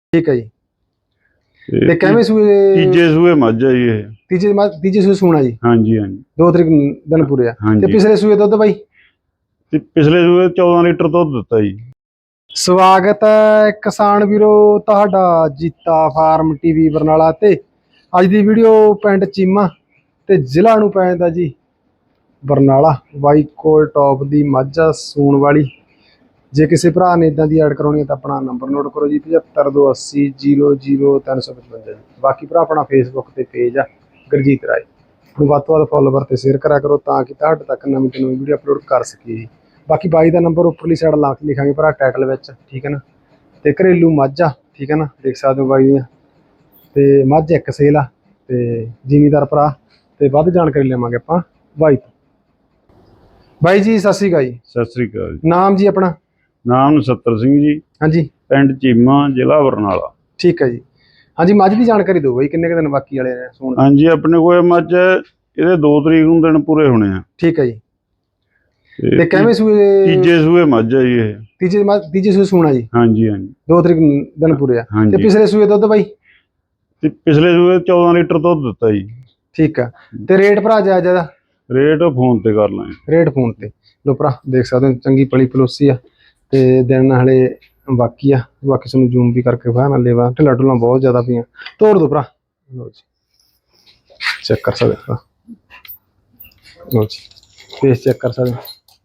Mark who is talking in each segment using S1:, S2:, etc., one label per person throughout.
S1: ठीक है जी। ਤੇ ਕਿਵੇਂ ਸੂਏ?
S2: ਤੀਜੇ ਸੂਏ ਮੱਝ ਆ ਜੀ ਇਹ।
S1: ਤੀਜੇ ਸੂਏ ਸੂਣਾ ਜੀ।
S2: ਹਾਂਜੀ ਹਾਂਜੀ
S1: 2 ਤਰੀਕ ਦਿਨ ਪੂਰੇ ਆ। ਤੇ ਪਿਛਲੇ ਸੂਏ ਦੁੱਧ ਬਾਈ?
S2: ਤੇ ਪਿਛਲੇ ਸੂਏ 14 ਲੀਟਰ ਦੁੱਧ ਦਿੱਤਾ ਜੀ।
S1: ਸਵਾਗਤ ਹੈ ਕਿਸਾਨ ਵੀਰੋ ਤੁਹਾਡਾ ਜੀਤਾ ਫਾਰਮ ਟੀਵੀ ਬਰਨਾਲਾ ਤੇ ਅੱਜ ਦੀ ਵੀਡੀਓ ਪਿੰਡ ਚੀਮਾ ਤੇ ਜ਼ਿਲ੍ਹਾ ਨੂੰ ਪੈ ਜਾਂਦਾ ਜੀ ਬਰਨਾਲਾ। ਬਾਈ ਕੋਲ ਟੌਪ ਦੀ ਮੱਝ ਆ ਸੂਣ ਵਾਲੀ। ਜੇ ਕਿਸੇ ਭਰਾ ਨੇ ਇਦਾਂ ਦੀ ਐਡ ਕਰਾਉਣੀ ਹੈ ਤਾਂ ਆਪਣਾ ਨੰਬਰ ਨੋਟ ਕਰੋ ਜੀ 7528 00355 ਜੀ। ਬਾਕੀ ਭਰਾ ਆਪਣਾ ਫੇਸਬੁੱਕ ਤੇ ਪੇਜ ਆ ਗੁਰਜੀਤ ਰਾਏ ਨੂੰ ਵੱਧ ਤੋਂ ਵੱਧ ਫੋਲੋਵਰ ਤੇ ਸ਼ੇਅਰ ਕਰਿਆ ਕਰੋ ਤਾਂ ਕਿ ਤੁਹਾਡੇ ਤੱਕ ਨਵੀਂ ਤੋਂ ਨਵੀਂ ਵੀਡੀਓ ਅਪਲੋਡ ਕਰ ਸਕੀਏ ਜੀ। ਬਾਕੀ ਬਾਈ ਦਾ ਨੰਬਰ ਉੱਪਰਲੀ ਸਾਈਡ ਲਾ ਕੇ ਲਿਖਾਂਗੇ ਭਰਾ ਟਾਈਟਲ ਵਿੱਚ, ਠੀਕ ਹੈ ਨਾ। ਤੇ ਘਰੇਲੂ ਮੱਝ ਆ, ਠੀਕ ਹੈ ਨਾ, ਦੇਖ ਸਕਦੇ ਹੋ ਬਾਈ ਦੀਆਂ। ਤੇ ਮੱਝ ਇੱਕ ਸੇਲ ਆ ਤੇ ਜ਼ਿਮੀਦਾਰ ਭਰਾ ਤੇ ਵੱਧ ਜਾਣਕਾਰੀ ਲਵਾਂਗੇ ਆਪਾਂ ਬਾਈ ਤੋਂ। ਬਾਈ ਜੀ ਸਤਿ ਸ਼੍ਰੀ ਅਕਾਲ ਜੀ।
S2: ਸਤਿ ਸ੍ਰੀ ਅਕਾਲ ਜੀ।
S1: ਨਾਮ ਜੀ ਆਪਣਾ?
S2: ਨਾਮ ਨਛੱਤਰ ਸਿੰਘ ਜੀ।
S1: ਹਾਂਜੀ।
S2: ਪਿੰਡ ਚੀਮਾ ਜ਼ਿਲ੍ਹਾ ਬਰਨਾਲਾ।
S1: ਠੀਕ ਹੈ ਜੀ। ਹਾਂਜੀ ਮੱਝ ਦੀ ਜਾਣਕਾਰੀ ਦਿਓ ਬਾਈ, ਕਿੰਨੇ ਕੁ ਦਿਨ ਬਾਕੀ ਵਾਲੇ ਨੇ ਸੂਣ?
S2: ਹਾਂਜੀ ਆਪਣੇ ਕੋਲ ਮੱਝ ਇਹਦੇ 2 ਤਰੀਕ ਨੂੰ ਦਿਨ ਪੂਰੇ ਹੋਣੇ ਆ।
S1: ਠੀਕ ਹੈ ਜੀ। ਤੇ ਕਿਵੇਂ ਸੂਏ?
S2: ਤੀਜੇ ਸੂਏ ਮੱਝ ਆ ਜੀ ਇਹ।
S1: ਤੀਜੇ ਸੂਏ ਸੂਣਾ ਜੀ।
S2: ਹਾਂਜੀ ਹਾਂਜੀ
S1: 2 ਤਰੀਕ ਦਿਨ ਪੂਰੇ ਆ। ਤੇ ਪਿਛਲੇ ਸੂਏ ਦੁੱਧ ਬਾਈ?
S2: ਤੇ ਪਿਛਲੇ ਸੂਏ 14 ਲੀਟਰ ਦੁੱਧ ਦਿੱਤਾ ਜੀ।
S1: ਠੀਕ ਆ। ਤੇ ਰੇਟ ਭਰਾ ਜਾਇਜ਼ ਦਾ?
S2: ਰੇਟ ਫੋਨ ਤੇ ਕਰ ਲਾਂਗੇ।
S1: ਰੇਟ ਫੋਨ ਤੇ। ਲੋ ਭਰਾ ਦੇਖ ਸਕਦੇ ਹੋ ਚੰਗੀ ਪਲੀ ਪਲੋਸੀ ਆ ਤੇ ਦਿਨ ਹਲੇ ਬਾਕੀ ਆ। ਬਾਕੀ ਤੁਹਾਨੂੰ ਜ਼ੂਮ ਵੀ ਕਰਕੇ ਵਿਖਾ ਨਾ ਲੇਵਾ ਢਿੱਲਾ ਢੁੱਲਾ ਬਹੁਤ ਜ਼ਿਆਦਾ ਪਈਆਂ। ਤੋੜ ਦੋ ਭਰਾ। ਲੋ ਜੀ ਚੈੱਕ ਕਰ ਸਕਦੇ ਹੋ। ਲੋ ਜੀ ਫੇਸ ਚੈੱਕ ਕਰ ਸਕਦੇ ਹੋ।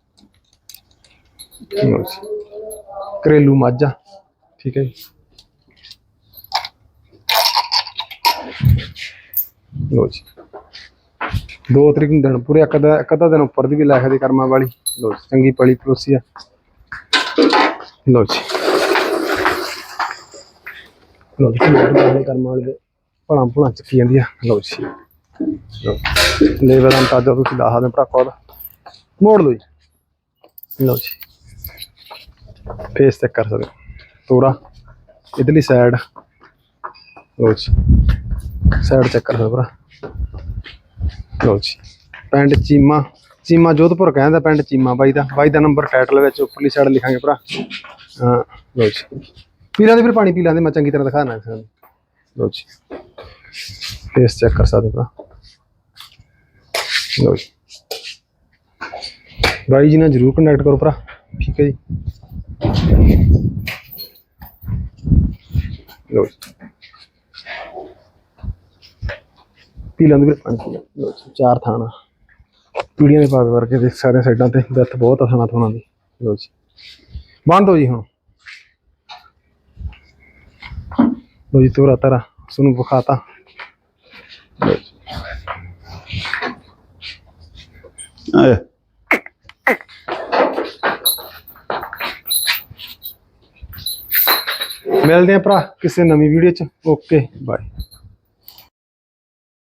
S1: ਲੋ ਜੀ ਘਰੇਲੂ ਮੱਝ ਆ, ਠੀਕ ਹੈ ਜੀ। ਲੋ ਜੀ 2 ਤਰੀਕ ਨੂੰ ਦਿਨ ਪੂਰੇ, ਇੱਕ ਅੱਧਾ ਦਿਨ ਉੱਪਰ ਦੀ ਵੀ ਲੈ ਸਕਦੇ ਕਰਮਾਂ ਵਾਲੀ। ਲੋ ਜੀ ਚੰਗੀ ਪਲੀ ਪਲੋਸੀ ਆ। ਲੋ ਜੀ ਲੋ ਜੀ ਕਰਮਾਂ ਵਾਲੀ ਦੇ ਭਲਾਂ ਭੁਲਾਂ ਚੱਕੀ ਜਾਂਦੀ ਆ। ਲੋ ਜੀ ਲੇਵਰ ਦਾ ਅੰਦਾਜ਼ਾ ਤੁਸੀਂ ਲਾ ਸਕਦੇ ਭਰਾ ਖੁਦ। ਮੋੜ ਲਓ ਜੀ। ਲਓ ਜੀ ਫੇਸ ਚੈੱਕ ਕਰ ਸਕਦੇ ਹੋ। ਤੋਰਾ ਇਧਰਲੀ ਸਾਈਡ। ਲਓ ਜੀ ਸਾਈਡ ਚੈੱਕ ਕਰ ਸਕਦੇ ਭਰਾ। ਲਓ ਜੀ ਪਿੰਡ ਚੀਮਾ, ਚੀਮਾ ਜੋਧਪੁਰ ਕਹਿੰਦਾ ਪਿੰਡ ਚੀਮਾ ਬਾਈ ਦਾ। ਬਾਈ ਦਾ ਨੰਬਰ ਟਾਈਟਲ ਵਿੱਚ ਉੱਪਰਲੀ ਸਾਈਡ ਲਿਖਾਂਗੇ ਭਰਾ। ਹਾਂ ਲਓ ਜੀ ਪੀਲਾਂ ਦੇ ਫਿਰ ਪਾਣੀ ਪੀ ਲਾਂਦੇ ਮੈਂ ਚੰਗੀ ਤਰ੍ਹਾਂ ਦਿਖਾਣਾ ਸਾਨੂੰ। ਲਓ ਜੀ ਫੇਸ ਚੈੱਕ ਕਰ ਸਕਦੇ ਭਰਾ। ਲਓ ਜੀ ਬਾਈ ਜੀ ਨਾਲ ਜ਼ਰੂਰ ਕੰਟੈਕਟ ਕਰੋ ਭਰਾ, ਠੀਕ ਹੈ ਜੀ। ਲਓ ਜੀ ਪੀਲਾਂ ਦੇ ਪਾਣੀ ਪੀ ਲਓ ਜੀ। 4 ਥਾਣਾ ਪੀੜੀਆਂ ਦੇ ਪਾਵੇ ਵਰਗੇ ਦੇਖ ਸਕਦੇ ਸਾਈਡਾਂ ਤੇ ਵਿੱਥ ਬਹੁਤ ਆ ਥਾਣਾ ਥਾਣਾ ਦੀ। ਲਓ ਜੀ ਬੰਦ ਹੋ ਜੀ ਹੁਣ। ਲਓ ਜੀ ਤੋਰਾ ਤਾਰਾ ਤੁਹਾਨੂੰ ਵਿਖਾਤਾ। ਮਿਲਦੇ ਆ ਭਰਾ ਕਿਸੇ ਨਵੀਂ ਵੀਡੀਓ ਚ। Okay bye.